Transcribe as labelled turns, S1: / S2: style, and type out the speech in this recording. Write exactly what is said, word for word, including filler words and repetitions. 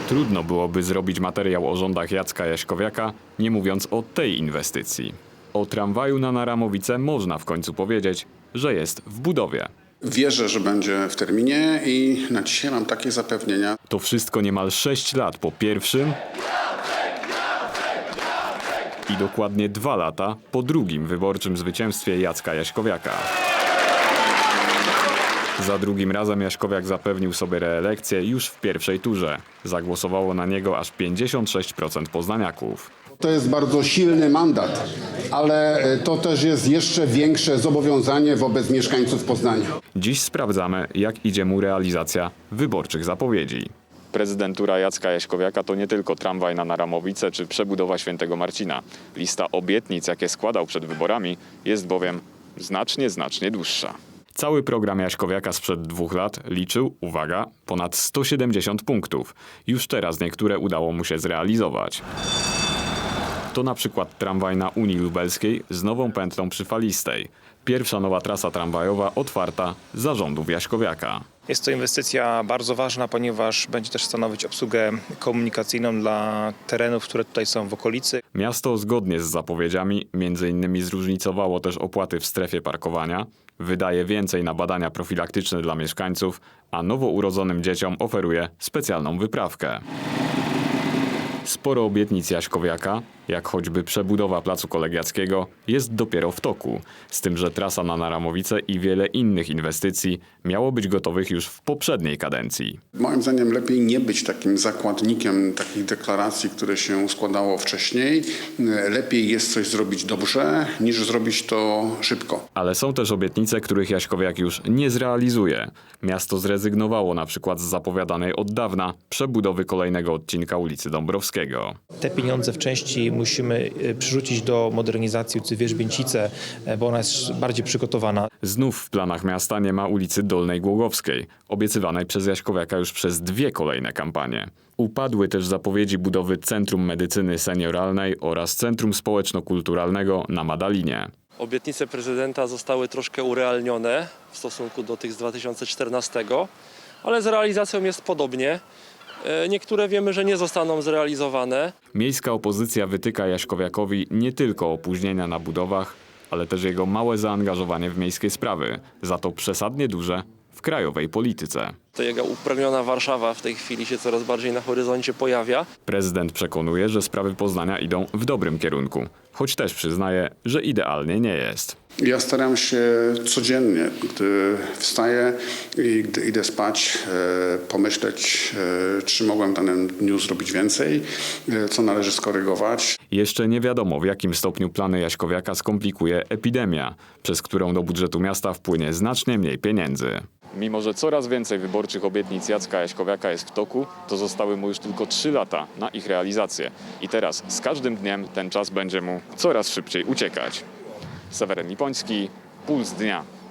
S1: Trudno byłoby zrobić materiał o rządach Jacka Jaśkowiaka, nie mówiąc o tej inwestycji. O tramwaju na Naramowice można w końcu powiedzieć, że jest w budowie.
S2: Wierzę, że będzie w terminie i na dzisiaj mam takie zapewnienia.
S1: To wszystko niemal sześć lat po pierwszym i dokładnie dwa lata po drugim wyborczym zwycięstwie Jacka Jaśkowiaka. Za drugim razem Jaśkowiak zapewnił sobie reelekcję już w pierwszej turze. Zagłosowało na niego aż pięćdziesiąt sześć procent poznaniaków.
S2: To jest bardzo silny mandat, ale to też jest jeszcze większe zobowiązanie wobec mieszkańców Poznania.
S1: Dziś sprawdzamy, jak idzie mu realizacja wyborczych zapowiedzi. Prezydentura Jacka Jaśkowiaka to nie tylko tramwaj na Naramowice czy przebudowa Świętego Marcina. Lista obietnic, jakie składał przed wyborami, jest bowiem znacznie, znacznie dłuższa. Cały program Jaśkowiaka sprzed dwóch lat liczył, uwaga, ponad sto siedemdziesiąt punktów. Już teraz niektóre udało mu się zrealizować. To na przykład tramwaj na Unii Lubelskiej z nową pętlą przy Falistej. Pierwsza nowa trasa tramwajowa otwarta za rządów Jaśkowiaka.
S3: Jest to inwestycja bardzo ważna, ponieważ będzie też stanowić obsługę komunikacyjną dla terenów, które tutaj są w okolicy.
S1: Miasto zgodnie z zapowiedziami między innymi zróżnicowało też opłaty w strefie parkowania, wydaje więcej na badania profilaktyczne dla mieszkańców, a nowo urodzonym dzieciom oferuje specjalną wyprawkę. Sporo obietnic Jaśkowiaka, jak choćby przebudowa Placu Kolegiackiego, jest dopiero w toku. Z tym, że trasa na Naramowice i wiele innych inwestycji miało być gotowych już w poprzedniej kadencji.
S2: Moim zdaniem lepiej nie być takim zakładnikiem takich deklaracji, które się składało wcześniej. Lepiej jest coś zrobić dobrze, niż zrobić to szybko.
S1: Ale są też obietnice, których Jaśkowiak już nie zrealizuje. Miasto zrezygnowało na przykład z zapowiadanej od dawna przebudowy kolejnego odcinka ulicy Dąbrowskiego.
S3: Te pieniądze w części musimy przerzucić do modernizacji ulicy Wierzbięcice, bo ona jest bardziej przygotowana.
S1: Znów w planach miasta nie ma ulicy Dolnej Głogowskiej, obiecywanej przez Jaśkowiaka już przez dwie kolejne kampanie. Upadły też zapowiedzi budowy Centrum Medycyny Senioralnej oraz Centrum Społeczno-Kulturalnego na Madalinie.
S4: Obietnice prezydenta zostały troszkę urealnione w stosunku do tych z dwa tysiące czternastego, ale z realizacją jest podobnie. Niektóre wiemy, że nie zostaną zrealizowane.
S1: Miejska opozycja wytyka Jaśkowiakowi nie tylko opóźnienia na budowach, ale też jego małe zaangażowanie w miejskie sprawy, za to przesadnie duże w krajowej polityce.
S4: To jego upragniona Warszawa w tej chwili się coraz bardziej na horyzoncie pojawia.
S1: Prezydent przekonuje, że sprawy Poznania idą w dobrym kierunku, choć też przyznaje, że idealnie nie jest.
S2: Ja staram się codziennie, gdy wstaję i gdy idę spać, pomyśleć, czy mogłem w danym dniu zrobić więcej, co należy skorygować.
S1: Jeszcze nie wiadomo, w jakim stopniu plany Jaśkowiaka skomplikuje epidemia, przez którą do budżetu miasta wpłynie znacznie mniej pieniędzy. Mimo że coraz więcej wyborczych obietnic Jacka Jaśkowiaka jest w toku, to zostały mu już tylko trzy lata na ich realizację. I teraz z każdym dniem ten czas będzie mu coraz szybciej uciekać. Seweryn Lipoński, Puls Dnia.